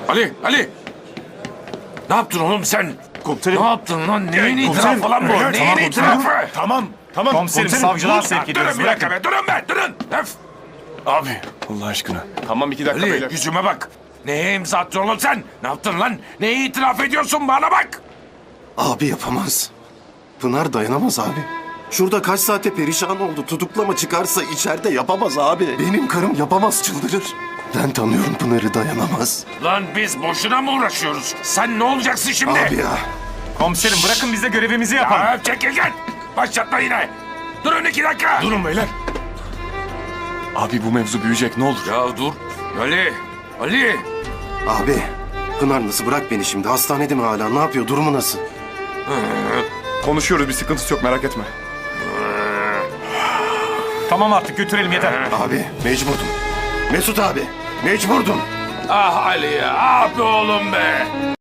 Ali! Ne yaptın oğlum sen? Komiserim. Ne yaptın lan? Neyin Komiserim, itirafı falan bu? evet, Neyin tamam, itirafı? Tamam. Komiserim, savcılığa Dur, sevk ediyoruz. Durun bir dakika be, durun be, durun. Öf. Abi Allah aşkına. Tamam 2 dakika Ali, beyler. yüzüme bak. Neye imza attın oğlum sen? Ne yaptın lan? Neyi itiraf ediyorsun bana bak? Abi yapamaz. Pınar dayanamaz abi. Şurada kaç saate perişan oldu. Tutuklama çıkarsa içeride yapamaz abi. Benim karım yapamaz, çıldırır. Ben tanıyorum Pınar'ı, dayanamaz. Lan biz boşuna mı uğraşıyoruz? Sen ne olacaksın şimdi? Abi ya. Komiserim bırakın biz de görevimizi yapalım. Ya çekil git. Başlatma yine. Durun 2 dakika. Durun beyler. Abi bu mevzu büyüyecek, ne olur. Ya dur. Ali. Abi. Pınar nasıl, bırak beni şimdi. Hastanede mi hala? Ne yapıyor? Durumu nasıl? Konuşuyoruz, bir sıkıntısı yok, merak etme. Tamam artık götürelim yeter. Abi mecburdum. Mesut abi. Mecburdum. Ah Ali ya. Ah be oğlum be.